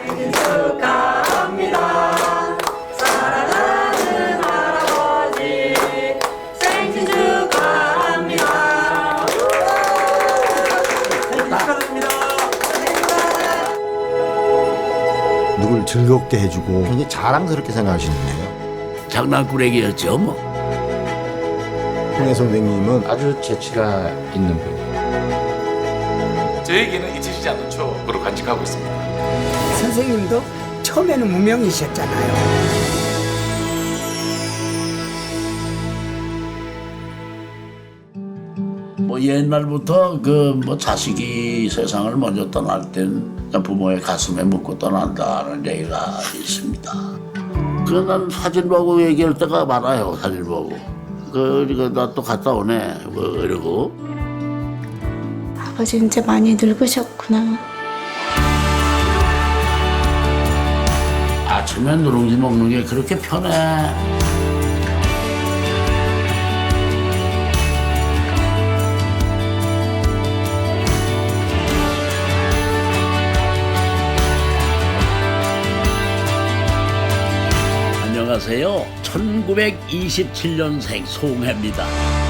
생신 축하합니다. 사랑하는 할아버지 생신 축하합니다. 축하드립니다. 누굴 즐겁게 해주고 굉장히 자랑스럽게 생각하시는데요. 장난꾸러기였죠 뭐. 홍해 선생님은 아주 재치가 있는 분이에요. 저에게는 잊히지 않는 추억으로 간직하고 있습니다. 선생님도 처음에는 무명이셨잖아요. 뭐 옛날부터 그 뭐 자식이 세상을 먼저 떠날 땐 부모의 가슴에 묻고 떠난다는 얘기가 있습니다. 그난 사진 보고 얘기할 때가 많아요. 사진 보고. 그러니까 나 또 갔다 오네. 뭐 이러고. 아버지 이제 많이 늙으셨구나. 아침에 누룽지 먹는 게 그렇게 편해. 안녕하세요. 1927년생 송해입니다.